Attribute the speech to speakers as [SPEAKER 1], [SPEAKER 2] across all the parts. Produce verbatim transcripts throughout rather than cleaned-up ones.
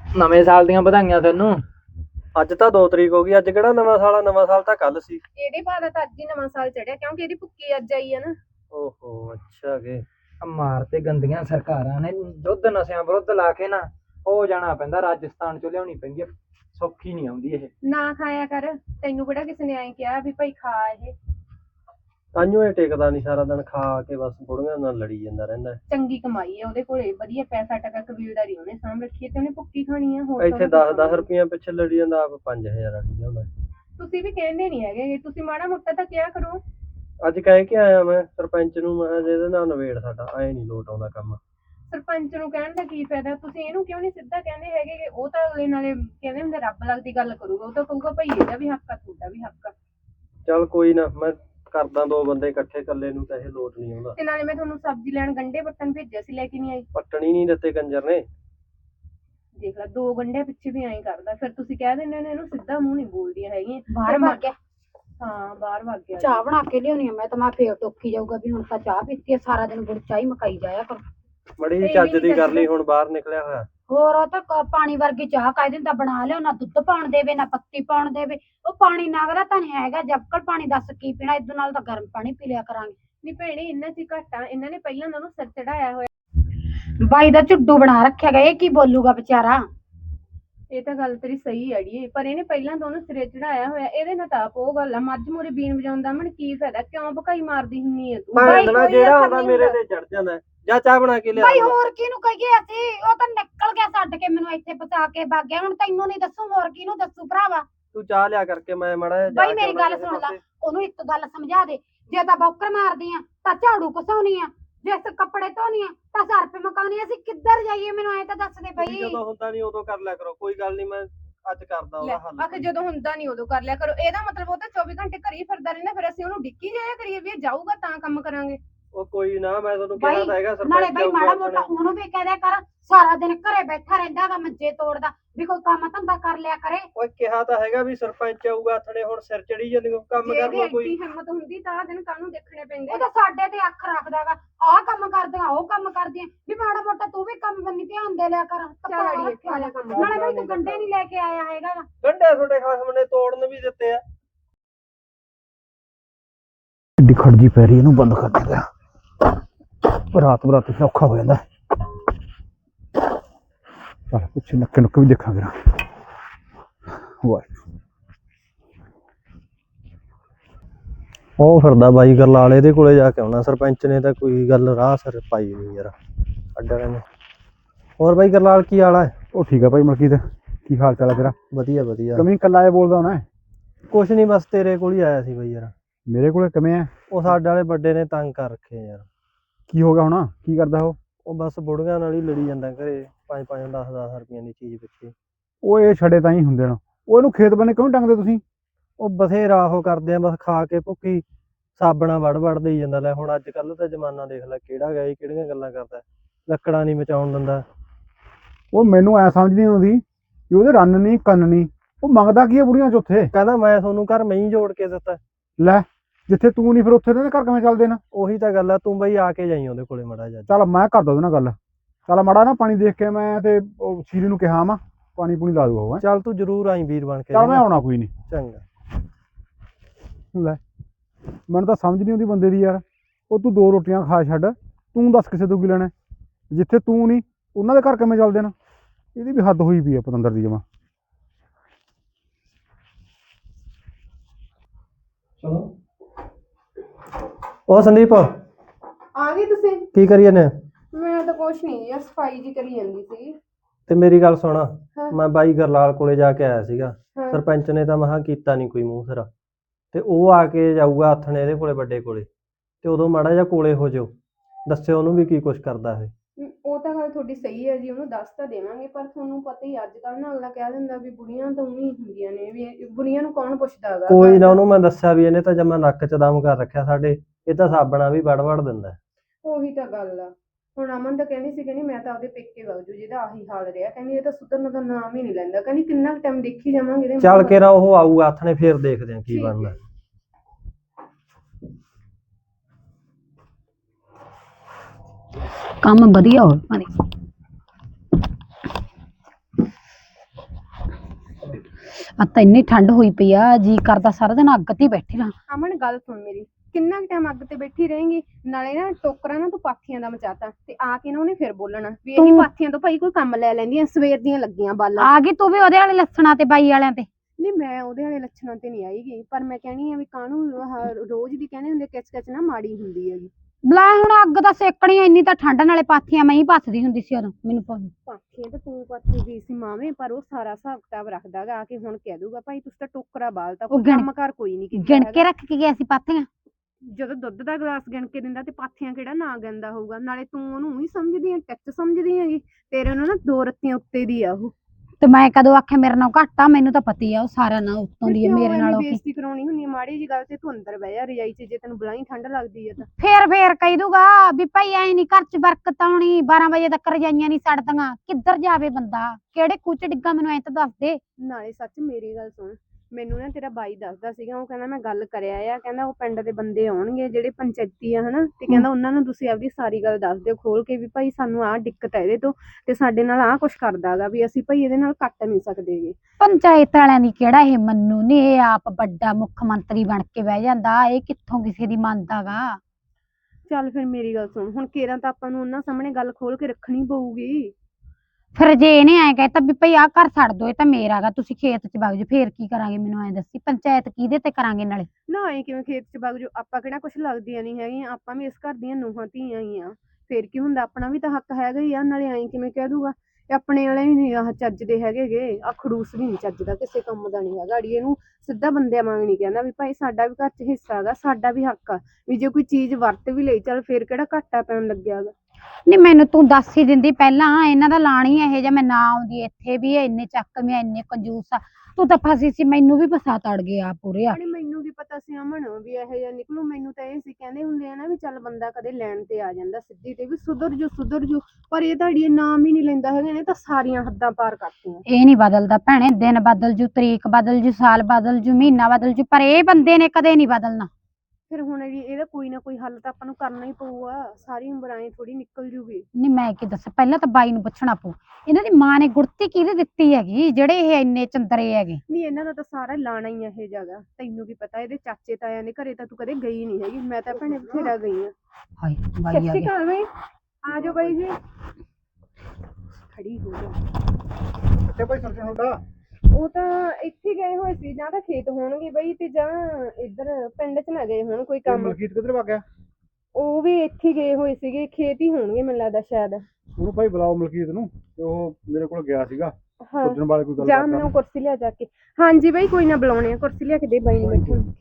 [SPEAKER 1] ਨਵੇਂ ਸਾਲ ਦੀਆਂ ਵਧਾਈਆਂ ਤੈਨੂੰ।
[SPEAKER 2] ਅੱਜ ਤਾਂ ਦੋ ਤਰੀਕ ਹੋ ਗਈ। ਅੱਜ ਕਿਹੜਾ ਨਵਾਂ ਸਾਲ ਆ? ਨਵਾਂ ਸਾਲ ਤਾਂ ਕੱਲ ਸੀ।
[SPEAKER 3] ਇਹਦੇ ਬਾਅਦ ਤਾਂ ਅੱਜ ਹੀ ਨਵਾਂ ਸਾਲ ਚੜਿਆ ਕਿਉਂਕਿ ਇਹਦੀ ਭੁੱਕੀ ਅੱਜ ਆਈ ਆ ਨਾ।
[SPEAKER 2] ਓਹੋ ਅੱਛਾ ਕੇ
[SPEAKER 1] ਮਾਰ ਤੇ ਗੰਦੀਆਂ ਸਰਕਾਰਾਂ ਨੇ ਯੁੱਧ ਨਸ਼ਿਆਂ ਵਿਰੁੱਧ ਲਾ ਕੇ ਨਾ ਹੋ ਜਾਣਾ ਪੈਂਦਾ। ਰਾਜਸਥਾਨ ਚੋਂ ਲਿਆਉਣੀ ਪੈਂਦੀ ਹੈ, ਸੌਖੀ ਨਹੀਂ ਆਉਂਦੀ ਇਹ।
[SPEAKER 3] ਨਾ ਖਾਇਆ ਕਰ, ਤੈਨੂੰ ਕਿਹੜਾ ਕਿਸੇ ਨੇ ਐਂ ਕਿਹਾ ਵੀ ਭਾਈ ਖਾ ਇਹ।
[SPEAKER 2] ਤਾਂਹੀਓ ਇਹ ਟਿਕਦਾ ਨਹੀਂ, ਸਾਰਾ ਦਿਨ ਖਾ ਕੇ ਬਸ ਬੁੜੀਆਂ ਨਾਲ ਲੜੀ ਜਾਂਦਾ ਰਹਿੰਦਾ।
[SPEAKER 3] ਚੰਗੀ ਕਮਾਈ ਹੈ ਉਹਦੇ ਕੋਲੇ, ਵਧੀਆ ਪੈਸਾ ਟਕਾ ਕਬੀਲਦਾਰੀ ਉਹਨੇ ਸਾਂਭ ਰੱਖੀ ਹੈ ਤੇ ਉਹਨੇ ਭੁੱਕੀ ਖਾਣੀ ਆ। ਹੋਰ
[SPEAKER 2] ਇੱਥੇ ਦਸ ਦਸ ਰੁਪਈਆ ਪਿੱਛੇ ਲੜੀ ਜਾਂਦਾ, ਆਪ ਪੰਜ ਹਜ਼ਾਰ ਅੜੀ ਜਾਂਦਾ।
[SPEAKER 3] ਤੁਸੀਂ ਵੀ ਕਹਿੰਦੇ ਨਹੀਂ ਹੈਗੇ, ਤੁਸੀਂ ਮਾੜਾ ਮੋਟਾ ਤਾਂ ਕਿਹਾ ਕਰੋ।
[SPEAKER 2] ਅੱਜ ਕਹਿ ਕੇ ਆਇਆ ਮੈਂ ਸਰਪੰਚ ਨੂੰ, ਮੈਂ ਕਿਹਾ ਇਹਦੇ ਨਾਲ ਨਵੇੜ ਸਾਡਾ, ਐ ਨਹੀਂ ਲੋਟ ਆਉਂਦਾ ਕੰਮ।
[SPEAKER 3] ਸਰਪੰਚ ਨੂੰ ਕਹਿਣ ਦਾ ਕੀ ਫਾਇਦਾ? ਤੁਸੀਂ ਇਹਨੂੰ ਕਿਉਂ ਨਹੀਂ ਸਿੱਧਾ ਕਹਿੰਦੇ ਹੈਗੇ ਕਿ ਉਹ ਤਾਂ ਅਗਲੇ ਨਾਲੇ ਕਹਿੰਦੇ ਹੁੰਦੇ ਰੱਬ ਲੱਗਦੀ ਗੱਲ ਕਰੂਗਾ। ਉਹ ਤਾਂ ਕਹੂਗਾ ਭਾਈ ਇਹਦਾ ਵੀ ਹੱਕ ਆ, ਤੁਹਾਡਾ ਵੀ ਹੱਕ ਆ।
[SPEAKER 2] ਚੱਲ ਕੋਈ ਨਾ, ਮੈਂ ਕਰਦਾ ਦੋ ਬੰਦੇ ਇਕੱਠੇ, ਇਕੱਲੇ ਨੂੰ ਤਾਂ ਇਹ ਲੋਟ ਨਹੀਂ ਆਉਂਦਾ।
[SPEAKER 3] ਤੇ ਨਾਲੇ ਮੈਂ ਤੁਹਾਨੂੰ ਸਬਜ਼ੀ ਲੈਣ ਗੰਢੇ ਪੱਟਣ ਭੇਜਿਆ ਸੀ, ਲੈ ਕੇ ਨਹੀਂ ਆਈ।
[SPEAKER 2] ਪੱਟਣੀ ਨਹੀਂ ਦਿੱਤੇ ਕੰਜਰ ਨੇ।
[SPEAKER 3] ਦੇਖ ਲੈ, ਦੋ ਗੰਢਿਆਂ ਪਿੱਛੇ ਵੀ ਐਂ ਕਰਦਾ। ਫਿਰ ਤੁਸੀਂ ਕਹਿ ਦਿੰਦੇ ਨੇ ਇਹਨੂੰ ਸਿੱਧਾ ਮੂੰਹ ਨਹੀਂ ਬੋਲਦੀਆਂ ਹੈਗੀਆਂ।
[SPEAKER 4] ਬਾਹਰ ਵਗ ਗਿਆ।
[SPEAKER 3] ਹਾਂ ਬਾਹਰ ਵਗ ਗਿਆ।
[SPEAKER 4] ਚਾਹ ਬਣਾ ਕੇ ਲਿਆਉਣੀ ਆ ਮੈਂ ਤਾਂ। ਮੈਂ ਫੇਰ ਟੋਕੀ ਜਾਊਗਾ ਵੀ ਹੁਣ ਤਾਂ ਚਾਹ ਪੀਤੀ ਆ, ਸਾਰਾ ਦਿਨ ਗੁੜ ਚਾਹ ਹੀ ਮਕਾਈ ਜਾਇਆ ਕਰ।
[SPEAKER 2] ਮੜੀ ਜਿਹੀ ਚੱਜ ਦੀ ਕਰ ਲਈ, ਹੁਣ ਬਾਹਰ ਨਿਕਲਿਆ ਹੋਇਆ।
[SPEAKER 4] ਹੋਰ ਉਹ ਤਾਂ ਕ- ਪਾਣੀ ਵਰਗੀ ਚਾਹ ਕਹਿ ਦਿੰਦਾ ਬਣਾ ਲਿਓ, ਨਾ ਦੁੱਧ ਪਾਉਣ ਦੇਵੇ ਨਾ ਪੱਤੀ ਪਾਉਣ ਦੇਵੇ। ਉਹ ਪਾਣੀ ਨਾਗਦਾ ਤਾਂ ਨਹੀਂ ਹੈਗਾ, ਜਬਕਲ ਪਾਣੀ ਦੱਸ ਕੀ ਪੀਣਾ, ਇਦੋਂ ਨਾਲ ਤਾਂ ਗਰਮ ਪਾਣੀ ਪੀ ਲਿਆ ਕਰਾਂਗੇ।
[SPEAKER 3] ਨਹੀਂ ਭੈਣੇ, ਇਹਨਾਂ ਚ ਘੱਟ ਆ। ਇਹਨਾਂ ਨੇ ਪਹਿਲਾਂ ਨਾਲੋਂ ਸਿਰ ਚੜਾਇਆ ਹੋਇਆ।
[SPEAKER 4] ਬਾਈ ਦਾ ਝੁੱਡੂ ਬਣਾ ਰੱਖਿਆ ਗਾ, ਇਹ ਕੀ ਬੋਲੂਗਾ ਵਿਚਾਰਾ।
[SPEAKER 3] ਇਹ ਤਾਂ ਗੱਲ ਤੇਰੀ ਸਹੀ ਅੜੀਏ, ਪਰ ਇਹਨੇ ਪਹਿਲਾਂ ਤਾਂ ਉਹਨੂੰ ਸਿਰੇ ਚੜਾਇਆ ਹੋਇਆ। ਇਹਦੇ ਨਾਲ ਤਾਂ ਆਪ ਉਹ ਗੱਲ ਆ, ਮੱਝ ਮੂਰੇ ਬੀਨ ਵਜਾਉਂਦਾ ਮਨ ਕੀ ਫਾਇਦਾ? ਕਿਉਂ ਭਕਾਈ ਮਾਰਦੀ ਹੁੰਨੀ ਆ ਤੂੰ?
[SPEAKER 4] ਬਾਈ
[SPEAKER 2] ਭੈਣ ਦਾ
[SPEAKER 4] ਕੋਈ
[SPEAKER 2] ਜਿਹੜਾ
[SPEAKER 4] ਅਸਰ
[SPEAKER 2] ਆਉਂਦਾ
[SPEAKER 4] ਨਹੀਂ
[SPEAKER 2] ਮੇਰੇ
[SPEAKER 4] ਹੁੰਦਾ।
[SPEAKER 2] ਤੇ ਚੜ ਜਾਂਦਾ। ਜਾਂ ਚਾਹ ਬਣਾ ਕੇ ਲਿਆ।
[SPEAKER 4] ਬਾਈ ਹੋਰ ਕਿਹਨੂੰ ਕਹੀਏ ਅਸੀਂ? ਉਹ ਤਾਂ ਨਿਕਲ ਗਿਆ ਛੱਡ ਕੇ ਮੈਨੂੰ ਇੱਥੇ ਫਸਾ ਕੇ ਵਗ ਗਿਆ। ਹੁਣ ਤੈਨੂੰ ਨਹੀਂ ਦੱਸੂ, ਹੋਰ ਕਿਹਨੂੰ ਦੱਸੂ ਭਰਾਵਾ?
[SPEAKER 2] ਤੂੰ ਚਾਹ ਲਿਆ ਕਰਕੇ ਮੈਂ ਮੜਾ
[SPEAKER 4] ਬਾਈ ਮੇਰੀ ਗੱਲ ਸੁਣ ਲੈ, ਉਹਨੂੰ ਇੱਕ ਗੱਲ ਸਮਝਾ ਦੇ। ਜੇ ਤਾਂ ਬੌਕਰ ਮਾਰਦੀ ਆ ਤਾਂ ਝਾੜੂ ਘਸਾਉਣੀ ਆ, ਜੇ ਸ ਕੱਪੜੇ ਧੋਣੀ ਆ ਤਾਂ ਸਰਫ ਮਕਾਉਣੀ। ਅਸੀਂ ਕਿੱਧਰ ਜਾਈਏ? ਮੈਨੂੰ ਐ ਤਾਂ ਦੱਸ ਦੇ ਬਈ।
[SPEAKER 2] ਜਦੋਂ ਹੁੰਦਾ ਨਹੀਂ ਉਦੋਂ ਕਰ ਲਿਆ ਕਰੋ, ਕੋਈ ਗੱਲ ਨਹੀਂ, ਮੈਂ ਅੱਜ ਕਰਦਾ ਉਹਦਾ ਹੱਲ।
[SPEAKER 3] ਆਖੇ ਜਦੋਂ ਹੁੰਦਾ ਨਹੀਂ ਉਦੋਂ ਕਰ ਲਿਆ ਕਰੋ, ਇਹਦਾ ਮਤਲਬ ਉਹ ਤਾਂ ਚੌਵੀ ਘੰਟੇ ਘਰੇ ਹੀ ਫਿਰਦਾ ਰਹਿੰਦਾ। ਫਿਰ ਅਸੀਂ ਉਹਨੂੰ ਡਿੱਕੀ ਜਾਇਆ ਕਰੀਏ ਵੀ ਇਹ ਜਾਊਗਾ ਤਾਂ ਕੰਮ ਕਰਾਂਗੇ।
[SPEAKER 2] ਉਹ ਕੋਈ ਨਾ, ਮੈਂ ਤੁਹਾਨੂੰ ਕਿਹਾ ਤਾਂ ਹੈਗਾ
[SPEAKER 4] ਨਾਲੇ
[SPEAKER 2] ਸਰਪੰਚ
[SPEAKER 4] ਬਈ ਮਾੜਾ ਮੋਟਾ ਉਹਨੂੰ ਵੀ ਕਹਿ ਦਿਆ ਕਰ, ਸਾਰਾ ਦਿਨ ਘਰੇ ਬੈਠਾ ਰਹਿੰਦਾ ਗਾ ਮੰਜੇ ਤੋੜਦਾ, ਵੀ ਕੋਈ ਕੰਮ ਧੰਦਾ ਕਰ ਲਿਆ ਕਰੇ।
[SPEAKER 2] ਓਏ ਕਿਹਾ ਤਾਂ ਹੈਗਾ ਵੀ ਸਰਪੰਚ ਆਊਗਾ ਆਥਣੇ, ਹੁਣ ਸਿਰ ਚੜੀ ਜਾਂਦੀ ਕੰਮ
[SPEAKER 3] ਜੇ
[SPEAKER 2] ਕਰ
[SPEAKER 3] ਇਹਦੀ
[SPEAKER 2] ਲਓ
[SPEAKER 3] ਐਡੀ
[SPEAKER 2] ਕੋਈ।
[SPEAKER 3] ਹਿੰਮਤ ਹੁੰਦੀ ਤਾਂ ਆਹ ਦਿਨ ਕਾਹਨੂੰ ਦੇਖਣੇ ਪੈਂਦੇ?
[SPEAKER 4] ਉਹ ਤਾਂ ਸਾਡੇ ਤੇ ਅੱਖ ਰੱਖਦਾ ਗਾ, ਆਹ ਕੰਮ ਕਰਦੀਆਂ ਉਹ ਕੰਮ ਕਰਦੀਆਂ, ਵੀ ਮਾੜਾ ਮੋਟਾ ਤੂੰ ਵੀ ਕੰਮ ਬੰਨੀ ਧਿਆਨ ਦੇ ਲਿਆ ਕਰ।
[SPEAKER 3] ਚੱਲ ਅੜੀਏ, ਖਾ ਲਿਆ ਕੰਮ।
[SPEAKER 4] ਨਾਲੇ ਬਈ ਤੂੰ ਗੰਢੇ ਨਹੀਂ ਲੈ ਕੇ ਆਇਆ ਹੈਗਾ ਗਾ।
[SPEAKER 2] ਗੰਢੇ ਤੁਹਾਡੇ ਖਾਸਮ ਨੇ ਤੋੜਨ ਵੀ ਦਿੱਤੇ ਆ।
[SPEAKER 5] ਏਡੀ ਖੜਜੀ ਪੈ ਰਹੀ, ਇਹਨੂੰ ਬੰਦ ਕਰ ਦਿੰਦਾ। ਰਾਤ ਬਰਾਤ ਔਖਾ ਹੋ ਜਾਂਦਾ। ਚੱਲ ਪਿੱਛੇ ਨੱਕੇ ਨੁੱਕੇ ਵੀ ਦੇਖਾਂਗੇ ਨਾ। ਵਾਹਿਗੁਰੂ।
[SPEAKER 2] ਉਹ ਫਿਰਦਾ ਬਾਈ ਗਰਲਾਲ, ਇਹਦੇ ਕੋਲੇ ਜਾ ਕੇ ਆਉਣਾ। ਸਰਪੰਚ ਨੇ ਤਾਂ ਕੋਈ ਗੱਲ ਰਾਹ ਸਿਰ ਪਾਈ ਨਹੀਂ ਯਾਰ, ਅੱਡਾ ਨੇ। ਹੋਰ ਬਾਈ ਗਰਲਾਲ ਕੀ ਹਾਲ ਹੈ?
[SPEAKER 5] ਉਹ ਠੀਕ ਆ ਭਾਈ ਮਲਕੀਤ, ਕੀ ਹਾਲ ਚਾਲ ਹੈ ਤੇਰਾ?
[SPEAKER 2] ਵਧੀਆ ਵਧੀਆ।
[SPEAKER 5] ਕਮੀ ਕੱਲਾ ਇਹ ਬੋਲਦਾ ਹੋਣਾ?
[SPEAKER 2] ਕੁਛ ਨਹੀਂ, ਬਸ ਤੇਰੇ ਕੋਲ ਹੀ ਆਇਆ ਸੀ ਬਾਈ ਯਾਰ।
[SPEAKER 5] ਮੇਰੇ ਕੋਲੇ ਕਿਵੇਂ ਆ?
[SPEAKER 2] ਉਹ ਸਾਡੇ ਵਾਲੇ ਵੱਡੇ ਨੇ ਤੰਗ ਕਰ ਰੱਖੇ ਯਾਰ।
[SPEAKER 5] ਕੀ ਹੋ ਗਿਆ ਹੁਣ? ਕੀ ਕਰਦਾ ਉਹ?
[SPEAKER 2] ਉਹ ਬਸ ਬੁੜੀਆਂ ਨਾਲ ਹੀ ਲੜੀ ਜਾਂਦਾ ਘਰੇ, ਪੰਜ ਪੰਜ ਦਸ ਦਸ ਰੁਪਈਆਂ ਦੀ ਚੀਜ਼ ਪਿੱਛੇ।
[SPEAKER 5] ਉਹ ਇਹ ਛੜੇ ਤਾਂ ਹੀ ਹੁੰਦੇ ਨੇ। ਉਹ ਇਹਨੂੰ ਖੇਤ ਬੰਨੇ ਕਿਉਂ ਟੰਗਦੇ ਤੁਸੀਂ?
[SPEAKER 2] ਉਹ ਬਥੇਰਾ ਉਹ ਕਰਦੇ ਆ, ਬਸ ਖਾ ਕੇ ਭੁੱਖੀ ਸਾਬਣਾ ਵੜ ਵੜ ਦੇਈ ਜਾਂਦਾ। ਲੈ ਹੁਣ ਅੱਜ ਕੱਲ੍ਹ ਤਾਂ ਜ਼ਮਾਨਾ ਦੇਖ ਲੈ ਕਿਹੜਾ ਗਿਆ, ਕਿਹੜੀਆਂ ਗੱਲਾਂ ਕਰਦਾ, ਲੱਕੜਾਂ ਨਹੀਂ ਮਚਾਉਣ ਦਿੰਦਾ।
[SPEAKER 5] ਉਹ ਮੈਨੂੰ ਐ ਸਮਝ ਨਹੀਂ ਆਉਂਦੀ ਵੀ ਉਹਦੇ ਰੰਨ ਨਹੀਂ ਕੰਨ ਨਹੀਂ, ਉਹ ਮੰਗਦਾ ਕੀ ਹੈ ਬੁੜੀਆਂ ਚ ਉੱਥੇ?
[SPEAKER 2] ਕਹਿੰਦਾ ਮੈਂ ਤੁਹਾਨੂੰ ਘਰ ਮੈਂ ਹੀ ਜੋੜ ਕੇ ਦਿੱਤਾ।
[SPEAKER 5] ਲੈ ਜਿੱਥੇ ਤੂੰ ਨਹੀਂ ਫਿਰ ਉੱਥੇ ਦੇ ਘਰ ਕਿਵੇਂ ਚੱਲਦੇ ਨੇ?
[SPEAKER 2] ਉਹੀ ਤਾਂ ਗੱਲ ਆ, ਤੂੰ ਬਈ ਆ ਕੇ ਜਾਈ ਉਹਦੇ ਕੋਲੇ ਮਾੜਾ ਜਿਹਾ।
[SPEAKER 5] ਚੱਲ ਮੈਂ ਕਰਦਾ ਉਹਦੇ ਨਾਲ ਗੱਲ। ਚੱਲ ਮਾੜਾ ਨਾ ਪਾਣੀ ਦੇਖ ਕੇ, ਮੈਂ ਤੇ ਉਹ ਸੀਰੀ ਨੂੰ ਕਿਹਾ ਵਾ ਪਾਣੀ ਪੂਣੀ ਲਾ ਦੂਗਾ ਉਹ।
[SPEAKER 2] ਚੱਲ ਤੂੰ ਜ਼ਰੂਰ ਆਈ ਵੀਰ ਬਣ ਕੇ।
[SPEAKER 5] ਚੱਲ ਮੈਂ ਆਉਣਾ ਕੋਈ ਨਹੀਂ।
[SPEAKER 2] ਚੰਗਾ।
[SPEAKER 5] ਲੈ ਮੈਨੂੰ ਤਾਂ ਸਮਝ ਨਹੀਂ ਆਉਂਦੀ ਬੰਦੇ ਦੀ ਯਾਰ। ਉਹ ਤੂੰ ਦੋ ਰੋਟੀਆਂ ਖਾ ਛੱਡ, ਤੂੰ ਦੱਸ ਕਿਸੇ ਤੋਂ ਕੀ ਲੈਣਾ? ਜਿੱਥੇ ਤੂੰ ਨਹੀਂ ਉਹਨਾਂ ਦੇ ਘਰ ਕਿਵੇਂ ਚੱਲਦੇ ਨੇ? ਇਹਦੀ ਵੀ ਹੱਦ ਹੋਈ ਪਈ ਆ ਪਤੰਦਰ ਦੀ ਜਮਾ।
[SPEAKER 2] ਚਲੋ ਉਹ ਸੰਦੀਪ
[SPEAKER 3] ਆ ਗਏ ਤੁਸੀਂ?
[SPEAKER 2] ਕੀ ਕਰੀ ਜਾਂਦੇ?
[SPEAKER 3] ਮੈਂ ਤਾਂ ਕੁਛ ਨਹੀਂ ਯਾਰ, ਸਫਾਈ ਜੀ ਕਰੀ ਜਾਂਦੀ ਸੀ।
[SPEAKER 2] ਤੇ ਮੇਰੀ ਗੱਲ ਸੁਣ,
[SPEAKER 3] ਹਾਂ।
[SPEAKER 2] ਮੈਂ ਬਾਈ ਗਰਲਾਲ ਕੋਲੇ ਜਾ ਕੇ ਆਇਆ ਸੀਗਾ।
[SPEAKER 3] ਹਾਂ।
[SPEAKER 2] ਸਰਪੰਚ ਨੇ ਤਾਂ ਮਹਾ ਕੀਤਾ ਨਹੀਂ ਕੋਈ ਮੂੰਹ ਸਿਰ, ਤੇ ਉਹ ਆ ਕੇ ਜਾਊਗਾ ਆਥਣੇ ਇਹਦੇ ਕੋਲੇ ਵੱਡੇ ਕੋਲੇ, ਤੇ ਉਦੋਂ ਮਾੜਾ ਜਿਹਾ ਕੋਲੇ ਹੋ ਜਾਓ, ਦੱਸਿਓ ਉਹਨੂੰ ਵੀ ਕੀ ਕੁਛ ਕਰਦਾ ਇਹ।
[SPEAKER 3] ਮ, ਉਹ ਤਾਂ ਗੱਲ ਤੁਹਾਡੀ ਸਹੀ ਹੈ ਜੀ, ਉਹਨੂੰ ਦੱਸ ਤਾਂ ਦੇਵਾਂਗੇ। ਪਰ ਤੁਹਾਨੂੰ ਪਤਾ ਹੀ ਅੱਜ ਕੱਲ੍ਹ ਨਾ ਅਗਲਾ ਕਹਿ ਦਿੰਦਾ ਵੀ ਬੁੜੀਆਂ ਤਾਂ ਉਹੀ ਹੁੰਦੀਆਂ ਨੇ, ਵੀ ਇਹ- ਬੁੜੀਆਂ ਨੂੰ ਕੌਣ ਪੁੱਛਦਾ ਹੈਗਾ।
[SPEAKER 2] ਕੋਈ ਨਾ, ਉਹਨੂੰ ਮੈਂ ਦੱਸਿਆ ਵੀ ਇਹਨੇ ਤਾਂ ਜਮਾ ਨੱਕ ਚ ਦਮ ਕਰ ਰੱਖਿਆ ਸਾਡੇ, ਇਹ ਤਾਂ ਸਾਬਣਾ ਵੀ ਵੜ ਵੜ ਦਿੰਦਾ।
[SPEAKER 3] ਉਹੀ ਤਾਂ ਗੱਲ ਆ। ਹੁਣ ਅਮਨ ਤਾਂ ਕਹਿੰਦੀ ਸੀ, ਕਹਿੰਦੀ ਮੈਂ ਤਾਂ ਆਪਦੇ ਪੇਕੇ ਵਗ ਜੂ, ਜਿਹਦਾ ਆਹੀ ਹਾਲ ਰਿਹਾ। ਕਹਿੰਦੀ ਇਹ ਤਾਂ ਸੁਧਰਨ ਦਾ ਨਾਮ ਹੀ ਨਹੀਂ ਲੈਂਦਾ। ਕਹਿੰਦੀ ਕਿੰਨਾ ਟਾਈਮ ਦੇਖੀ ਜਾਵਾਂਗੇ ਇਹਦੇ
[SPEAKER 2] ਚੱਲ
[SPEAKER 3] ਮੂੰਹ
[SPEAKER 2] ਕੇਰਾ ਉਹ ਆਊਗਾ ਆਥਣੇ, ਫੇਰ ਦੇਖਦੇ ਆ ਕੀ
[SPEAKER 3] ਠੀਕ ਹੈ।
[SPEAKER 2] ਬਣਦਾ।
[SPEAKER 4] ਕੰਮ ਵਧੀਆ ਹੋ ਭਾਵੇਂ। ਆ ਤਾਂ ਇੰਨੀ ਠੰਡ ਹੋਈ ਪਈ ਆ, ਜੀ ਕਰਦਾ ਸਾਰਾ ਦਿਨ ਅੱਗ ਤੇ ਹੀ ਬੈਠੀ ਰਹਾਂ।
[SPEAKER 3] ਅਮਨ ਗੱਲ ਸੁਣ ਮੇਰੀ, ਕਿੰਨਾ ਟਾਈਮ ਅੱਗ ਤੇ ਬੈਠੀ ਰਹੇਂਗੀ? ਨਾਲੇ ਨਾ ਟੋਕਰਾ ਨਾ ਤੂੰ ਪਾਥੀਆਂ ਦਾ ਮਚਾਤਾ, ਤੇ ਆ ਕੇ ਨਾ ਉਹਨੇ ਫਿਰ ਬੋਲਣਾ ਵੀ ਇਹੀ
[SPEAKER 4] ਤੂੰ-
[SPEAKER 3] ਪਾਥੀਆਂ ਤੋਂ ਭਾਈ ਕੋਈ ਕੰਮ ਲੈ ਲੈਂਦੀਆਂ, ਸਵੇਰ ਦੀਆਂ ਲੱਗੀਆਂ ਬਾਲਾਂ।
[SPEAKER 4] ਆ ਗਈ ਤੂੰ ਵੀ ਉਹਦੇ ਵਾਲੇ ਲੱਛਣਾਂ ਤੇ, ਬਾਈ ਵਾਲਿਆਂ ਤੇ।
[SPEAKER 3] ਨਹੀਂ ਮੈਂ ਉਹਦੇ ਵਾਲੇ ਲੱਛਣਾਂ ਤੇ ਨਹੀਂ ਆਈਗੀ, ਪਰ ਮੈਂ ਕਹਿਣੀ ਆ ਵੀ ਕਾਹਨੂੰ ਆਹ ਰੋਜ਼ ਦੀ ਕਹਿੰਦੇ ਹੁੰਦੇ ਕਿਚ ਕਿਚ ਨਾ ਮਾੜੀ ਹੁੰਦੀ ਹੈਗੀ।
[SPEAKER 4] ਬਲਾ ਹੁਣ ਅੱਗ ਤਾਂ ਸੇਕਣੀ ਆ, ਇੰਨੀ ਤਾਂ ਠੰਡ, ਨਾਲੇ ਪਾਥੀਆਂ ਮੈਂ ਹੀ ਭੱਸਦੀ ਹੁੰਦੀ ਸੀ ਉਦੋਂ। ਮੈਨੂੰ ਪ-
[SPEAKER 3] ਪਾਥੀਆਂ ਤਾਂ ਤੂੰ ਪਾਥੀ ਦੀ ਸੀ ਮਾਵੇਂ, ਪਰ ਉਹ ਸਾਰਾ ਹਿਸਾਬ ਕਿਤਾਬ ਰੱਖਦਾਗਾ, ਆ ਕੇ ਹੁਣ ਕਹਿ ਦੂਗਾ ਭਾਈ ਤੁਸੀਂ ਤਾਂ ਟੋਕਰਾ ਬਾਲਤਾ,
[SPEAKER 4] ਉਹ
[SPEAKER 3] ਕੋਈ
[SPEAKER 4] ਗਿਣ-
[SPEAKER 3] ਕੰਮ ਕਾਰ ਕੋਈ ਨਹੀਂ ਕੀਤਾ
[SPEAKER 4] ਗਿਣ ਕੇ
[SPEAKER 3] ਹੈਗਾ।
[SPEAKER 4] ਰੱਖ ਕੇ ਗਿਆ ਸੀ ਪਾਥੀਆਂ।
[SPEAKER 3] ਜਦੋਂ ਦੁੱਧ ਦਾ ਗਲਾਸ ਗਿਣ ਕੇ ਦਿੰਦਾ ਤੇ ਪਾਥੀਆਂ ਕਿਹੜਾ ਨਾ ਗਿਣਦਾ ਹੋਊਗਾ? ਨਾਲੇ ਤੂੰ ਉਹਨੂੰ ਹੀ ਸਮਝਦੀ ਆ, ਟੱਚ ਸਮਝਦੀ ਹੈਗੀ, ਤੇਰੇ ਨੂੰ ਨਾ ਦੋ ਰੱਤੀਆਂ ਉੱਤੇ ਦੀ ਆ ਉਹ।
[SPEAKER 4] ਤੇ ਮੈਂ ਕਦੋਂ ਆਖਿਆ ਮੇਰੇ ਨਾਲ ਘੱਟ ਆ? ਮੈਨੂੰ ਤਾਂ ਪਤੀ ਆ ਉਹ ਸਾਰਾ ਨਾ ਉੱਤੋਂ ਦੀ ਆ
[SPEAKER 3] ਕਿਉਂ
[SPEAKER 4] ਮੇਰੇ
[SPEAKER 3] ਐਵੇਂ
[SPEAKER 4] ਨਾਲ। ਉਹ ਕੀ
[SPEAKER 3] ਬੇਇੱਜ਼ਤੀ ਕਰਾਉਣੀ ਹੁੰਦੀ ਆ ਮਾੜੀ ਜੀ ਗੱਲ ਤੇ? ਤੂੰ ਅੰਦਰ ਬਹਿ ਜਾ ਰਜਾਈ 'ਚ, ਜੇ ਤੈਨੂੰ ਬਲਾਈ ਠੰਡ ਲੱਗਦੀ ਆ ਤਾਂ।
[SPEAKER 4] ਫੇਰ ਫੇਰ ਕਹਿ ਦੂਗਾ ਵੀ ਭਾਈ ਐ ਨਹੀਂ ਘਰ 'ਚ ਬਰਕਤ ਆਉਣੀ, ਬਾਰਾਂ ਵਜੇ ਤੱਕ ਰਜਾਈਆਂ ਨਹੀਂ ਛੱਡਦੀਆਂ। ਕਿੱਧਰ ਜਾਵੇ ਬੰਦਾ, ਕਿਹੜੇ ਕੁੱਚ ਡਿੱਗਾ, ਮੈਨੂੰ ਐ ਤਾਂ ਦੱਸ ਦੇ।
[SPEAKER 3] ਨਾਲੇ ਸੱਚ ਮੇਰੀ ਗੱਲ ਸੁਣ, ਮੈਨੂੰ ਨਾ ਤੇਰਾ ਬਾਈ ਦੱਸਦਾ ਸੀਗਾ, ਉਹ ਕਹਿੰਦਾ ਮੈਂ ਗੱਲ ਕਰਿਆ ਆ, ਕਹਿੰਦਾ ਉਹ ਪਿੰਡ ਦੇ ਬੰਦੇ ਆਉਣਗੇ ਜਿਹੜੇ ਪੰਚਾਇਤੀ ਆ ਹਨਾ, ਤੇ ਕਹਿੰਦਾ ਉਹਨਾਂ ਨੂੰ ਤੁਸੀਂ ਆਪਦੀ ਸਾਰੀ ਗੱਲ ਦੱਸ ਦਿਓ ਖੋਲ ਕੇ, ਵੀ ਭਾਈ ਸਾਨੂੰ ਆਹ ਦਿੱਕਤ ਹੈ ਇਹਦੇ ਤੋਂ, ਤੇ ਸਾਡੇ ਨਾਲ ਆਹ ਕੁਛ ਕਰਦਾ ਗਾ, ਵੀ ਅਸੀਂ ਭਾਈ ਇਹਦੇ ਨਾਲ ਕੱਟ ਨਹੀਂ ਸਕਦੇਗੇ।
[SPEAKER 4] ਪੰਚਾਇਤ ਵਾਲਿਆਂ ਦੀ ਕਿਹੜਾ ਇਹ ਮੰਨੂ ਨੀ, ਇਹ ਆਪ ਵੱਡਾ ਮੁੱਖ ਮੰਤਰੀ ਬਣ ਕੇ ਬਹਿ ਜਾਂਦਾ, ਇਹ ਕਿੱਥੋਂ ਕਿਸੇ ਦੀ ਮੰਨਦਾਗਾ।
[SPEAKER 3] ਚੱਲ ਫਿਰ ਮੇਰੀ ਗੱਲ ਸੁਣ, ਹੁਣ ਕੇਰਾਂ ਤਾਂ ਆਪਾਂ ਨੂੰ ਉਹਨਾਂ ਸਾਹਮਣੇ ਗੱਲ ਖੋਲ ਕੇ ਰੱਖਣੀ ਪਊਗੀ।
[SPEAKER 4] ਫਿਰ ਜੇ ਇਹਨੇ ਐ ਕਹਿਤਾ ਵੀ ਭਾਈ ਆਹ ਘਰ ਛੱਡ ਦੋ, ਇਹ ਤਾਂ ਮੇਰਾ ਗਾ, ਤੁਸੀਂ ਖੇਤ 'ਚ ਵਗ ਜਾਓ, ਫੇਰ ਕੀ ਕਰਾਂਗੇ? ਮੈਨੂੰ ਐ ਦੱਸੀ, ਪੰਚਾਇਤ ਕਿਹਦੇ ਤੇ ਕਰਾਂਗੇ ਨਾਲੇ?
[SPEAKER 3] ਨਾ ਐ ਕਿਵੇਂ ਖੇਤ 'ਚ ਵਗ ਜਾਓ? ਆਪਾਂ ਕਿਹੜਾ ਕੁਛ ਲੱਗਦੀਆਂ ਨਹੀਂ ਹੈਗੀਆਂ, ਆਪਾਂ ਵੀ ਇਸ ਘਰ ਦੀਆਂ ਨੂੰਹਾਂ ਧੀਆਂ ਹੀ ਆ, ਫੇਰ ਕੀ ਹੁੰਦਾ? ਆਪਣਾ ਵੀ ਤਾਂ ਹੱਕ ਹੈਗਾ ਹੀ ਆ। ਨਾਲੇ ਐਂ ਕਿਵੇਂ ਕਹਿ ਦੂਗਾ? ਇਹ ਆਪਣੇ ਵਾਲੇ ਵੀ ਨਹੀਂ ਆਹ ਚੱਜਦੇ ਹੈਗੇਗੇ, ਆ ਖੜੂਸ ਵੀ ਨਹੀਂ ਚੱਜਦਾ, ਕਿਸੇ ਕੰਮ ਦਾ ਨਹੀਂ ਹੈਗਾ ਅੜੀਏ ਨੂੰ। ਸਿੱਧਾ ਬੰਦਿਆਂ ਵਾਂਗ ਨਹੀਂ ਕਹਿੰਦਾ ਵੀ ਭਾਈ ਸਾਡਾ ਵੀ ਘਰ 'ਚ ਹਿੱਸਾ ਹੈਗਾ, ਸਾਡਾ ਵੀ ਹੱਕ ਆ, ਵੀ ਜੇ ਕੋਈ ਚੀਜ਼ ਵਰਤ ਵੀ ਲਈ ਚੱਲ ਫੇਰ ਕਿਹੜਾ ਘਾਟਾ ਪੈਣ ਲੱਗਿਆ ਗਾ।
[SPEAKER 4] ਨਹੀਂ ਮੈਨੂੰ ਤੂੰ ਦੱਸ ਹੀ ਦਿੰਦੀ ਪਹਿਲਾਂ, ਇਹਨਾਂ ਦਾ ਲਾਣੀ ਇਹੋ ਜਿਹਾ, ਮੈਂ ਨਾ ਆਉਂਦੀ ਇੱਥੇ ਵੀ ਇਹ ਇੰਨੇ ਚੱਕਵੀਆਂ, ਇੰਨੇ ਕੰਜੂਸ ਆ। ਤੂੰ ਤਾਂ ਫਸੀ ਸੀ, ਮੈਨੂੰ ਵੀ ਫਸਾ ਤੜ ਗਿਆ ਪੂਰੇ ਆ।
[SPEAKER 3] ਅਰੇ ਮੈਨੂੰ ਕੀ ਪਤਾ ਸੀ ਅਮਨ ਵੀ ਇਹੋ ਜਿਹਾ ਨਿਕਲੂ? ਮੈਨੂੰ ਤਾਂ ਇਹ ਸੀ, ਕਹਿੰਦੇ ਹੁੰਦੇ ਆ ਨਾ ਵੀ ਚੱਲ ਬੰਦਾ ਕਦੇ ਲੈਣ ਤੇ ਆ ਜਾਂਦਾ ਸਿੱਧੀ ਤੇ, ਵੀ ਸੁਧਰ ਜੂ ਸੁਧਰ ਜੂ, ਪਰ ਇਹ ਤਾਂ ਅੜੀਏ ਨਾਮ ਹੀ ਨਹੀਂ ਲੈਂਦਾ ਹੈਗਾ, ਇਹਨੇ ਤਾਂ ਸਾਰੀਆਂ ਹੱਦਾਂ ਪਾਰ ਕਰਤੀਆਂ।
[SPEAKER 4] ਇਹ ਨਹੀਂ ਬਦਲਦਾ ਭੈਣੇ, ਦਿਨ ਬਦਲ ਜੂ, ਤਰੀਕ ਬਦਲ ਜੂ, ਸਾਲ ਬਦਲ ਜੂ, ਮਹੀਨਾ ਬਦਲ ਜੂ, ਪਰ ਇਹ ਬੰਦੇ ਨੇ ਕਦੇ ਨਹੀਂ ਬਦਲਣਾ।
[SPEAKER 3] ਫਿਰ ਹੁਣ ਇਹ- ਇਹਦਾ ਕੋਈ ਨਾ ਕੋਈ ਹੱਲ ਤਾਂ ਆਪਾਂ ਨੂੰ ਕਰਨਾ ਹੀ ਪਊਗਾ, ਸਾਰੀ ਉਮਰ ਐਂ ਥੋੜੀ ਨਿਕਲ ਜੂਗੀ।
[SPEAKER 4] ਨਹੀਂ ਮੈਂ ਕੀ ਦੱਸਾਂ, ਪਹਿਲਾਂ ਤਾਂ ਬਾਈ ਨੂੰ ਪੁੱਛਣਾ ਪਊ, ਇਹਨਾਂ ਦੀ ਮਾਂ ਨੇ ਗੁੜਤੀ ਕਿਹਦੇ ਦਿੱਤੀ ਹੈਗੀ ਜਿਹੜੇ ਇਹ ਇੰਨੇ ਚੰਦਰੇ ਹੈਗੇ?
[SPEAKER 3] ਨਹੀਂ ਇਹਨਾਂ ਦਾ ਤਾਂ ਸਾਰਾ ਲਾਣਾ ਹੀ ਇਹ ਜਗ੍ਹਾ, ਤੈਨੂੰ ਕੀ ਪਤਾ? ਇਹਦੇ ਚਾਚੇ ਤਾਇਆਂ ਦੇ ਘਰੇ ਤਾਂ ਤੂੰ ਕਦੇ ਗਈ ਨਹੀਂ ਹੈਗੀ, ਮੈਂ ਤਾਂ ਭੈਣੇ ਬਥੇਰਾ ਗਈ ਆ।
[SPEAKER 4] ਹਾਏ
[SPEAKER 3] ਸਤਿ
[SPEAKER 4] ਬਾਈ ਆ
[SPEAKER 3] ਸ਼੍ਰੀ
[SPEAKER 4] ਗਿਆ।
[SPEAKER 3] ਅਕਾਲ ਬਈ, ਆ ਜਾਓ ਬਾਈ ਜੀ, ਖੜੀ ਹੋ ਜਾ।
[SPEAKER 5] ਕਿੱਥੇ ਭਾਈ ਸਰਜਣ ਤੁਹਾਡਾ?
[SPEAKER 3] ਉਹ ਤਾਂ ਇੱਥੇ ਗਏ ਹੋਏ ਸੀ, ਜਾਂ ਤਾਂ ਖੇਤ ਹੋਣਗੇ ਬਈ, ਤੇ ਜਾਂ ਇੱਧਰ ਪਿੰਡ 'ਚ ਨਾ ਗਏ ਹੋਣ ਕੋਈ ਕੰਮ।
[SPEAKER 5] ਮਲਕੀਤ ਕਿੱਧਰ ਵਗ ਗਿਆ?
[SPEAKER 3] ਉਹ ਵੀ ਇੱਥੇ ਗਏ ਹੋਏ ਸੀਗੇ, ਖੇਤ ਹੀ ਹੋਣਗੇ ਮੈਨੂੰ ਲੱਗਦਾ ਸ਼ਾਇਦ।
[SPEAKER 5] ਉਹਨੂੰ ਭਾਈ ਬੁਲਾਓ ਮਲਕੀਤ ਨੂੰ, ਤੇ ਉਹ ਮੇਰੇ ਕੋਲ ਗਿਆ ਸੀਗਾ
[SPEAKER 3] ਹਾਂ
[SPEAKER 5] ਸਰਜਣ ਵਾਲੇ ਕੋਈ ਗੱਲ
[SPEAKER 3] ਜਾ,
[SPEAKER 5] ਕਰਦਾ।
[SPEAKER 3] ਮੈਨੂੰ ਕੁਰਸੀ ਲਿਆ ਜਾ ਕੇ। ਹਾਂਜੀ ਬਈ ਕੋਈ ਨਾ, ਬੁਲਾਉਣੇ ਆ, ਕੁਰਸੀ ਲਿਆ ਕੇ ਦੇ ਬਾਈ ਨੂੰ ਬੈਠਣ ਨੂੰ।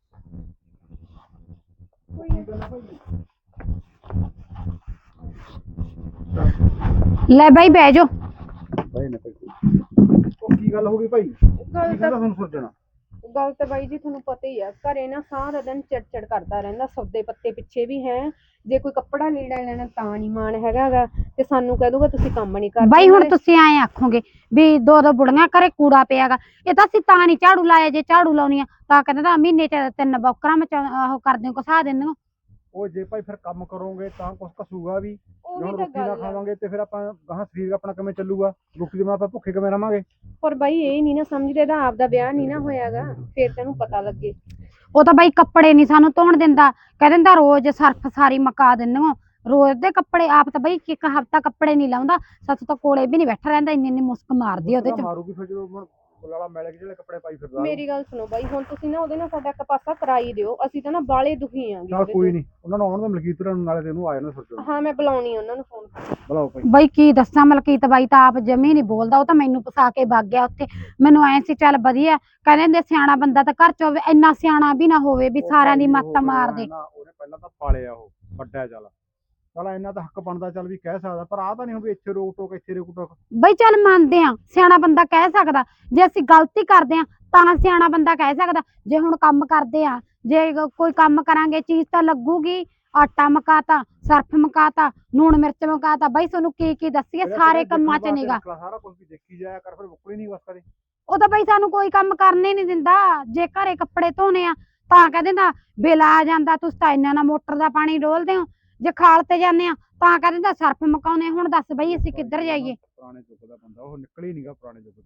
[SPEAKER 4] ਲੈ ਬਾਈ ਬਹਿ ਜਾਓ।
[SPEAKER 5] ਭਾਈ ਨੇ ਭਾਈ ਉਹ ਕੀ ਗੱਲ ਹੋ ਗਈ ਭਾਈ? ਕੀ
[SPEAKER 3] ਗੱਲ
[SPEAKER 5] ਕਹਿੰਦਾ
[SPEAKER 3] ਤਾਂ
[SPEAKER 5] ਤੁਹਾਨੂੰ ਸਰਜਣ?
[SPEAKER 3] ਗੱਲ ਤਾਂ ਬਾਈ ਜੀ ਤੁਹਾਨੂੰ ਪਤਾ ਹੀ ਆ, ਘਰੇ ਨਾ ਸਾਰਾ ਦਿਨ ਚਿੜਚਿੜ ਕਰਦਾ ਰਹਿੰਦਾ, ਸੌਦੇ ਪੱਤੇ ਪਿੱਛੇ ਵੀ ਹੈ, ਜੇ ਕੋਈ ਕੱਪੜਾ ਲੀੜਾ ਲੈਣਾ ਤਾਂ ਨਹੀਂ ਮਾਣ ਹੈਗਾ ਗਾ, ਤੇ ਸਾਨੂੰ ਕਹਿ ਦੂਗਾ ਤੁਸੀਂ ਕੰਮ ਨਹੀਂ ਕਰਦੇ।
[SPEAKER 4] ਬਾਈ ਹੁਣ ਤੁਸੀਂ ਐਂ ਆਖੋਗੇ ਵੀ ਦੋ ਦੋ ਬੁੜੀਆਂ ਘਰੇ ਕੂੜਾ ਪਿਆਗਾ, ਇਹ ਤਾਂ ਅਸੀਂ ਤਾਂ ਨਹੀਂ ਝਾੜੂ ਲਾਇਆ, ਜੇ ਝਾੜੂ ਲਾਉਣੀ ਆ ਤਾਂ ਕਹਿੰਦਾ ਤਾਂ ਮਹੀਨੇ ਚ ਤਿੰਨ ਬੌਕਰਾਂ ਮੈਂ ਉਹ ਕਰਦੇ ਘਸਾ ਦਿੰਦੇ ਹੋ।
[SPEAKER 5] ਉਹ ਜੇ ਭਾਈ ਫਿਰ ਕੰਮ ਕਰੋਗੇ ਤਾਂ ਕੁਛ ਘਸੂਗਾ ਵੀ,
[SPEAKER 3] ਉਹ
[SPEAKER 5] ਜੇ
[SPEAKER 3] ਵੀ
[SPEAKER 5] ਹੁਣ
[SPEAKER 3] ਤਾਂ
[SPEAKER 5] ਰੋਟੀ ਨਾ
[SPEAKER 3] ਗੱਲ ਆ।
[SPEAKER 5] ਖਾਵਾਂਗੇ ਤੇ ਫਿਰ ਆਪਾਂ ਗਾਹਾਂ ਸਰੀਰ ਆਪਣਾ ਕਿਵੇਂ ਚੱਲੂਗਾ? ਰੋਟੀ ਦੇ ਬਿਨਾਂ ਆਪਾਂ ਭੁੱਖੇ ਕਿਵੇਂ ਰਵਾਂਗੇ?
[SPEAKER 3] ਪਰ ਬਾਈ ਇਹ ਨਹੀਂ ਨਾ ਸਮਝਦੇ, ਇਹਦਾ ਆਪਦਾ ਵਿਆਹ ਨਹੀਂ ਨਾ ਹੋਇਆਗਾ, ਫੇਰ ਤੈਨੂੰ ਪਤਾ ਲੱਗੇ।
[SPEAKER 4] ਉਹ ਤਾਂ ਬਾਈ ਕੱਪੜੇ ਨਹੀਂ ਸਾਨੂੰ ਧੋਣ ਦਿੰਦਾ, ਕਹਿ ਦਿੰਦਾ ਰੋਜ਼ ਸਰਫ ਸਾਰੀ ਮਕਾ ਦਿੰਦੇ ਹੋ, ਰੋਜ਼ ਦੇ ਕੱਪੜੇ। ਆਪ ਤਾਂ ਬਾਈ ਇੱਕ ਹਫ਼ਤਾ ਕੱਪੜੇ ਨਹੀਂ ਲਾਉਂਦਾ, ਸੱਚ ਤਾਂ ਕੋਲੇ ਵੀ ਨਹੀਂ ਬੈਠਾ ਰਹਿੰਦਾ, ਇੰਨੀ ਇੰਨੀ ਮੁਸਕ ਮਾਰਦੀ ਉਹਦੇ ਚ।
[SPEAKER 5] ਮਾਰੂਗੀ ਫਿਰ ਜਦੋਂ ਹੁਣ ਬੁਲਾਲਾ ਮੈਲੇ ਜਿਹੜੇ ਕੱਪੜੇ ਪਾਈ ਫਿਰਦਾ।
[SPEAKER 3] ਮੇਰੀ ਗੱਲ ਸੁਣੋ ਬਾਈ, ਹੁਣ ਤੁਸੀਂ ਨਾ ਉਹਦੇ ਨਾਲ ਸਾਡਾ ਇੱਕ ਪਾਸਾ ਕਰਾਈ ਦਿਓ, ਅਸੀਂ ਤਾਂ ਨਾ ਬਾਲੇ ਦੁਖੀ ਆਂਗੇ।
[SPEAKER 5] ਚੱਲ ਕੋਈ ਨਹੀਂ, ਉਹਨਾਂ ਨੂੰ ਆਉਣ ਦੇ ਮਲਕੀਤ ਨੂੰ, ਨਾਲੇ ਤੈਨੂੰ ਆ ਜਾਣਾ ਸਰਜਣ।
[SPEAKER 3] ਹਾਂ ਮੈਂ ਬੁਲਾਉਣੀ ਆ ਉਹਨਾਂ ਨੂੰ ਫੋਨ ਕਰਕੇ।
[SPEAKER 5] ਬੁਲਾਓ ਭਾਈ।
[SPEAKER 4] ਬਾਈ ਕੀ ਦੱਸਾਂ, ਮਲਕੀਤ ਬਾਈ ਤਾਂ ਆਪ ਜਮੀ ਨਹੀਂ ਬੋਲਦਾ, ਉਹ ਤਾਂ ਮੈਨੂੰ ਫਸਾ ਕੇ ਵਗ ਗਿਆ ਉੱਥੇ। ਮੈਨੂੰ ਐ ਸੀ ਚੱਲ ਵਧੀਆ, ਕਹਿੰਦੇ ਹੁੰਦੇ ਸਿਆਣਾ ਬੰਦਾ ਤਾਂ ਘਰ ਚ ਹੋਵੇ, ਇੰਨਾ ਸਿਆਣਾ ਵੀ ਨਾ ਹੋਵੇ ਵੀ ਸਾਰਿਆਂ ਦੀ ਮੱਤ ਮਾਰ ਦੇ।
[SPEAKER 5] ਉਹਨੇ ਪਹਿਲਾਂ ਤਾਂ ਪਾਲਿਆ, ਉਹ ਵੱਡਾ ਚੱਲ ਚੱਲ ਇੰਨਾ ਤਾਂ ਹੱਕ ਬਣਦਾ, ਚੱਲ ਵੀ ਕਹਿ ਸਕਦਾ, ਪਰ ਆਹ ਤਾਂ ਨਹੀਂ ਹੋ ਵੀ ਇੱਥੇ ਰੋਕ ਟੋਕ ਇੱਥੇ ਰੋਕ ਟੋਕ।
[SPEAKER 4] ਬਈ ਚੱਲ ਮੰਨਦੇ ਆ, ਸਿਆਣਾ ਬੰਦਾ ਕਹਿ ਸਕਦਾ, ਜੇ ਅਸੀਂ ਗਲਤੀ ਕਰਦੇ ਆ ਤਾਂ ਸਿਆਣਾ ਬੰਦਾ ਕਹਿ ਸਕਦਾ। ਜੇ ਹੁਣ ਕੰਮ ਕਰਦੇ ਆ, ਜੇ ਕੋਈ ਕੰਮ ਕਰਾਂਗੇ ਚੀਜ਼ ਤਾਂ ਲੱਗੂਗੀ, ਆਟਾ ਮਕਾਤਾ, ਸਰਫ ਮਕਾਤਾ, ਲੂਣ ਮਿਰਚ ਮਕਾਤਾ, ਬਈ ਤੁਹਾਨੂੰ ਕੀ ਕੀ ਦੱਸੀਏ, ਸਾਰੇ ਕੰਮਾਂ ਚ ਨਿਗਾ।
[SPEAKER 5] ਸਾਰਾ ਕੁਝ ਵੀ ਦੇਖੀ ਜਾਇਆ ਕਰ, ਫਿਰ ਮੁੱਕਣੀ ਨਹੀਂ ਬਸ ਕਦੇ।
[SPEAKER 4] ਉਹ ਤਾਂ ਬਈ ਸਾਨੂੰ ਕੋਈ ਕੰਮ ਕਰਨੇ ਨਹੀਂ ਦਿੰਦਾ, ਜੇ ਘਰੇ ਕੱਪੜੇ ਧੋਣੇ ਆ ਤਾਂ ਕਹਿ ਦਿੰਦਾ ਬਿੱਲ ਆ ਜਾਂਦਾ, ਤੁਸੀਂ ਤਾਂ ਇੰਨਾ ਨਾ ਮੋਟਰ ਦਾ ਪਾਣੀ ਡੋਲਦੇ ਹੋ, ਜੇ ਖਾਲ ਤੇ ਜਾਂਦੇ ਆ ਤਾਂ ਕਹਿ ਦਿੰਦਾ ਸਰਫ ਮਕਾਉਣੇ। ਹੁਣ ਦੱਸ ਬਈ ਅਸੀਂ ਕਿੱਧਰ ਜਾਈਏ?
[SPEAKER 5] ਪੁਰਾਣੇ ਯੁੱਗ ਦਾ ਬੰਦਾ ਉਹ, ਨਿਕਲ ਹੀ ਨਹੀਂਗਾ ਪੁਰਾਣੇ ਯੁੱਗ ਤੋਂ।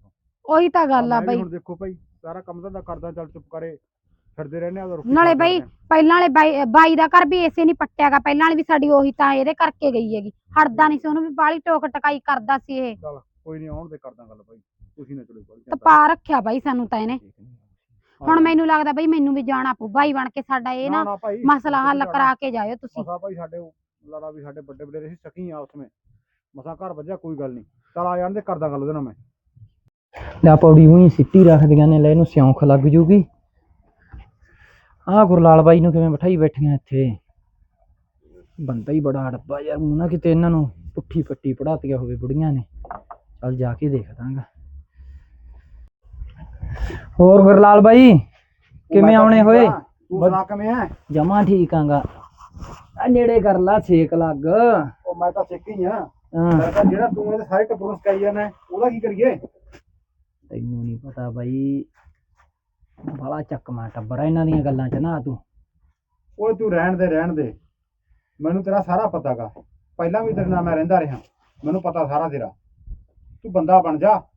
[SPEAKER 4] ਉਹੀ ਤਾਂ ਗੱਲ ਆ
[SPEAKER 5] ਮੈਂ ਵੀ
[SPEAKER 4] ਬਾਈ।
[SPEAKER 5] ਹੁਣ ਦੇਖੋ ਭਾਈ ਸਾਰਾ ਕੰਮ ਧੰਦਾ ਕਰਦਾ ਚੱਲ ਚੁੱਪ ਕਰੇ ਫਿਰਦੇ ਰਹਿੰਦੇ ਆ ਉਹਦਾ ਰੋਟੀ
[SPEAKER 4] ਨਾਲੇ
[SPEAKER 5] ਖਾ ਕੇ
[SPEAKER 4] ਬਾਈ
[SPEAKER 5] ਆਉਂਦੇ ਆ।
[SPEAKER 4] ਪਹਿਲਾਂ ਵਾਲੇ ਬਾਈ ਬਾਈ ਦਾ ਘਰ ਵੀ ਏਸੇ ਨਹੀਂ ਪੱਟਿਆਗਾ, ਪਹਿਲਾਂ ਵਾਲੀ ਵੀ ਸਾਡੀ ਉਹੀ ਤਾਂ ਇਹਦੇ ਕਰਕੇ ਗਈ ਹੈਗੀ, ਹਟਦਾ ਨਹੀਂ ਸੀ, ਉਹਨੂੰ ਵੀ ਬਾਹਲੀ ਟੋਕ ਟਕਾਈ ਕਰਦਾ ਸੀ ਇਹ।
[SPEAKER 5] ਚੱਲ ਕੋਈ ਨਹੀਂ ਆਉਣ ਦੇ ਕਰਦਾ ਗੱਲ ਭਾਈ, ਤੁਸੀਂ ਨਾ ਚਲੋ ਭਾਈ
[SPEAKER 4] ਤਪਾ ਰੱਖਿਆ ਬਾਈ ਸਾਨੂੰ ਤਾਂ ਇਹਨੇ। ਹੁਣ ਮੈਨੂੰ ਲੱਗਦਾ ਬਾਈ ਮੈਨੂੰ ਵੀ ਜਾਣਾ ਪਊ, ਬਾਈ ਬਣ ਕੇ ਸਾਡਾ ਇਹ ਨਾ
[SPEAKER 5] ਭਾਈ
[SPEAKER 4] ਮਸਲਾ ਹੱਲ ਕਰਾ ਕੇ ਜਾਇਓ ਤੁਸੀਂ।
[SPEAKER 5] ਮਸਾ ਭਾਈ ਸਾਡੇ ਲਾਲਾ ਵੀ ਸਾਡੇ ਵੱਡੇ ਵੱਡੇ ਸੀ ਸਕੀ ਆ ਉਸਮੇ ਮਸਾ ਘਰ ਵੱਜਿਆ, ਕੋਈ ਗੱਲ ਨਹੀਂ ਚੱਲ ਆ ਜਾਣ ਦੇ ਕਰਦਾ ਗੱਲ ਉਹਦੇ ਨਾਲ ਮੈਂ।
[SPEAKER 1] ਲੈ ਪੌੜੀ ਉਹੀ ਸਿੱਟੀ ਰੱਖਦੀਆਂ ਨੇ, ਲੈ ਇਹਨੂੰ ਸਿਉਂਖ ਲੱਗ ਜੂਗੀ। ਆਹ ਗੁਰਲਾਲ ਬਾਈ ਨੂੰ ਕਿਵੇਂ ਬਿਠਾਈ ਬੈਠੀਆਂ ਇੱਥੇ, ਬੰਦਾ ਹੀ ਬੜਾ ਅੜੱਬਾ ਯਾਰ, ਮੂੰਹ ਨਾ ਕਿਤੇ ਇਹਨਾਂ ਨੂੰ ਪੁੱਠੀ ਪੱਟੀ ਪੜਾਤੀਆ ਹੋਵੇ ਬੁੜੀਆਂ ਨੇ। ਚੱਲ ਜਾ ਕੇ ਦੇਖ ਦਾਂਗਾ। ਹੋਰ ਗੁਰਲਾਲ ਬਾਈ ਕਿਵੇਂ ਆਉਣੇ ਹੋਏ?
[SPEAKER 5] ਤੂੰ ਸੁਣਾ ਕਿਵੇਂ ਐ?
[SPEAKER 1] ਜਮਾ ਠੀਕ ਆਂਗਾ। ਆ ਨੇੜੇ ਕਰ ਲਾ, ਛੇਕ ਲੱਗ।
[SPEAKER 5] ਉਹ ਮੈਂ ਤਾਂ ਸਿੱਖ ਹੀ ਆ,
[SPEAKER 1] ਹਾਂ
[SPEAKER 5] ਮੈਂ ਤਾਂ ਜਿਹੜਾ ਤੂੰ ਇਹਦੇ ਸਾਰੇ ਟੱਬਰ ਨੂੰ ਸਿਖਾਈ ਜਾਂਦਾ ਉਹਦਾ ਕੀ ਕਰੀਏ?
[SPEAKER 1] ਤੈਨੂੰ ਨਹੀਂ ਪਤਾ ਬਾਈ, ਬੜਾ ਚੱਕਮਾ ਟੱਬਰ ਆ ਇਹਨਾਂ ਦੀਆਂ ਗੱਲਾਂ ਚ ਨਾ ਤੂੰ।
[SPEAKER 5] ਓਏ ਤੂੰ ਰਹਿਣ ਦੇ ਰਹਿਣ ਦੇ, ਮੈਨੂੰ ਤੇਰਾ ਸਾਰਾ ਪਤਾ ਗਾ, ਪਹਿਲਾਂ ਵੀ ਤੇਰੇ ਨਾਲ ਮੈਂ ਰਹਿੰਦਾ ਰਿਹਾ, ਮੈਨੂੰ ਪਤਾ ਸਾਰਾ ਤੇਰਾ। ਤੂੰ ਬੰਦਾ ਬਣ ਜਾ,